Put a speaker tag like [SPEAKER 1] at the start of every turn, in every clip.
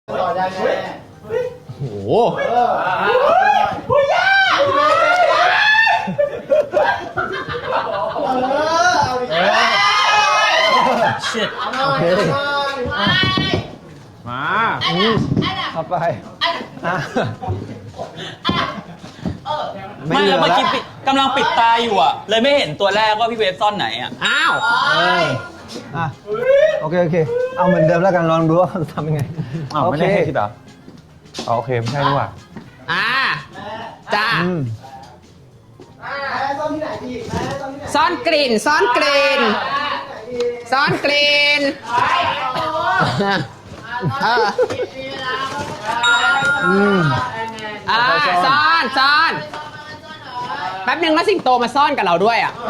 [SPEAKER 1] ต่อได้แน่
[SPEAKER 2] โอ้โห
[SPEAKER 1] ผู้ยาเอาดิ
[SPEAKER 2] shit
[SPEAKER 1] โอเค
[SPEAKER 2] มา
[SPEAKER 3] เข้าไป
[SPEAKER 2] ไม่แล้วเมื่อกี้กำลังปิดตาอยู่อ่ะเลยไม่เห็นตัวแรกว่าพี่เวฟซ่อนไหนอ่ะอ้าว
[SPEAKER 3] โอเคเอาเหมือนเดิมแล้วกันลองดูว่าทำยังไง
[SPEAKER 4] ไม่ได้ให้คิดเหรอโอเคไม่ใช่ดีกว่า
[SPEAKER 5] จ้า
[SPEAKER 1] ซ่อนที่ไหนดีแม่ซ่อนที่ไหน
[SPEAKER 5] ซ่อนกลิ่นซ่อนกลิ่นซ่อนกลิ่นซ่อนแป๊บนึงแล้วสิงโตมาซ่อนกับเราด้วยอ่ะ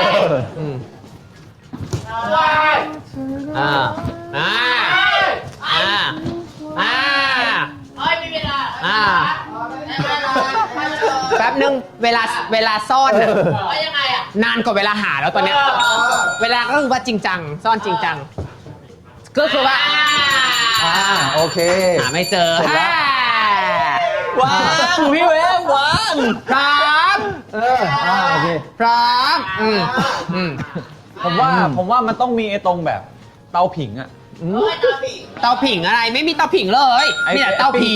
[SPEAKER 5] แป๊บนึงเวลาซ่อนน่ะนานกว่าเวลาหาแล้วตอนเนี้ยเวลาก็คือว่าจริงจังซ่อนจริงจังก็คือว่า
[SPEAKER 3] โอเค
[SPEAKER 5] หาไม่เจอ
[SPEAKER 2] วางพี่เวฟวาง
[SPEAKER 5] พร้อม
[SPEAKER 3] โอเค
[SPEAKER 5] พร้อม
[SPEAKER 4] ผมว่ามันต้องมีไอ้ตรงแบบเตาผิงอ่ะ
[SPEAKER 5] เตาผิงอะไรไม่มีเตาผิงเลยมีแต่เตาผี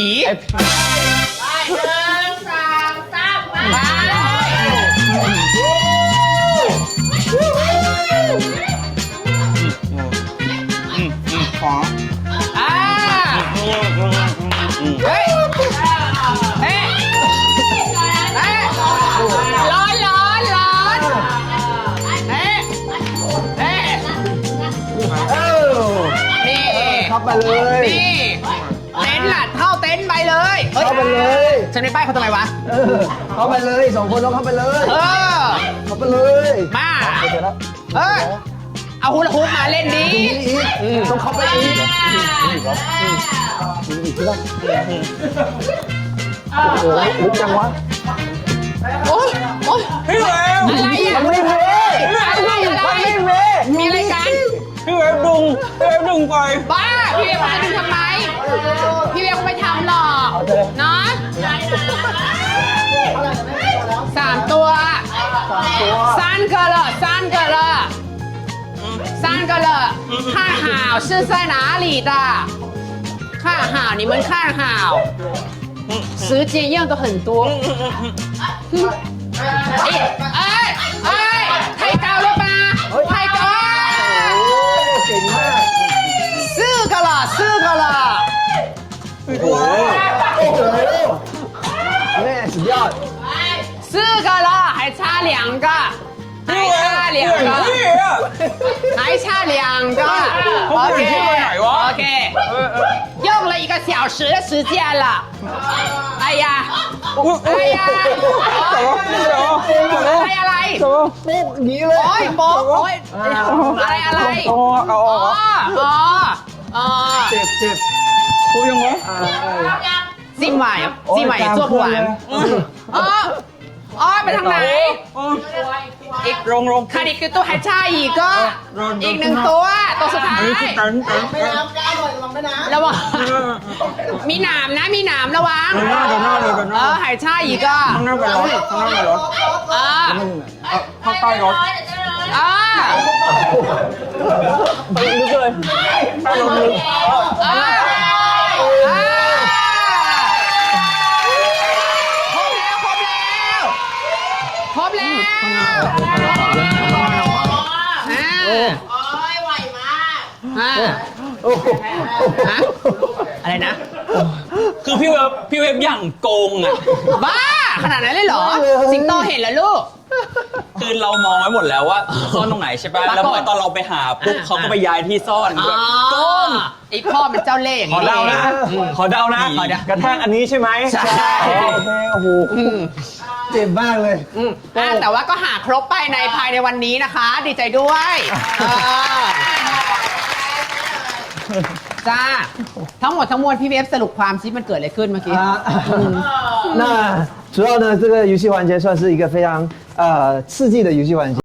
[SPEAKER 5] เฮ้ยร้อนนี่
[SPEAKER 3] เข้าไปเลย
[SPEAKER 5] นี่เต็นท์ล่ะเข้าเต็นท์ไปเลย
[SPEAKER 3] เข้าไปเลย
[SPEAKER 5] ฉันไม่ป้ายเขาทำไมวะ
[SPEAKER 3] เข้าไปเลย2 คนต้องเข้าไปเลย เข้าไปเลย
[SPEAKER 5] มาเอาฮูลาฮูปมาเล่นดี
[SPEAKER 3] ต้องเข้าไปอีกลึกจังวะ
[SPEAKER 5] โอ๊ย
[SPEAKER 2] พี่เวฟ
[SPEAKER 5] อะไรอ่ะ
[SPEAKER 3] มันไม่เว
[SPEAKER 5] มีอะไรกัน
[SPEAKER 2] พี่เวฟดึงไป
[SPEAKER 5] บ้าพี่เวียเขาจะดึงทำไมพี่เวียเขาไม่ทำหรอกเนาะ3 ตัว3个了看好是在哪里的看好你们看好时间用的很多太高了吧太高
[SPEAKER 3] เก่งมาก
[SPEAKER 5] 4个了
[SPEAKER 3] แม่สุดยอด
[SPEAKER 5] 4个了还差2个还差2个 OK 用了1个小时的时间了哎呀อะไร
[SPEAKER 3] ปุ๊บอย่างนี้เลย
[SPEAKER 5] โอ้ยโป๊กโอ้ยอะไร
[SPEAKER 3] เจ็บ
[SPEAKER 2] คุยยังไง
[SPEAKER 5] จิ้มหวาน做不完ไปทางไหนอีกขาดอีกตัวหายใจอีกก็อีก1 ตัวสุดท้าย
[SPEAKER 1] ไม่น้ำก้าวหน่อยระวังไม่น้ำ
[SPEAKER 5] ระวังมีหนามนะมีหนามระวังหายใจอีกก็
[SPEAKER 4] ข้างหน้าไปรถ
[SPEAKER 2] ข้างใต้รถ
[SPEAKER 4] ไปลึกเลยใต้รถลึก
[SPEAKER 5] ครบแล้วไหวมากอะไรนะ
[SPEAKER 2] คือพี่เวฟอย่างโกงอ่ะ
[SPEAKER 5] บ้าขนาดนั้นเลยเหรอสิงโตเห็นแล้วลูก
[SPEAKER 2] คือเรามองไว้หมดแล้วว่าซ่อนตรงไหนใช่ป่ะแล้วพอตอนเราไปหาปุ๊บเขาก็ไปย้ายที่ซ่อนแบบโกง
[SPEAKER 5] ไอ้พ่อมันเจ้าเล่ห์อย่าง
[SPEAKER 4] ขอ
[SPEAKER 5] นี้
[SPEAKER 4] เดานะกระแทกอันนี้ใช่ไหม
[SPEAKER 5] ใช่
[SPEAKER 3] โอเคโอ้โหเจ็บมากเลย
[SPEAKER 5] แต่ว่าก็หาครบภายในวันนี้นะคะ ดีใจด้วยจ้าทั้งหมดทั้งมวลพี่เวฟสรุปความซิมันเกิดอะไรขึ้นเมื่อกี้
[SPEAKER 3] 那主要呢，这个游戏环节算是一个非常刺激的游戏环节。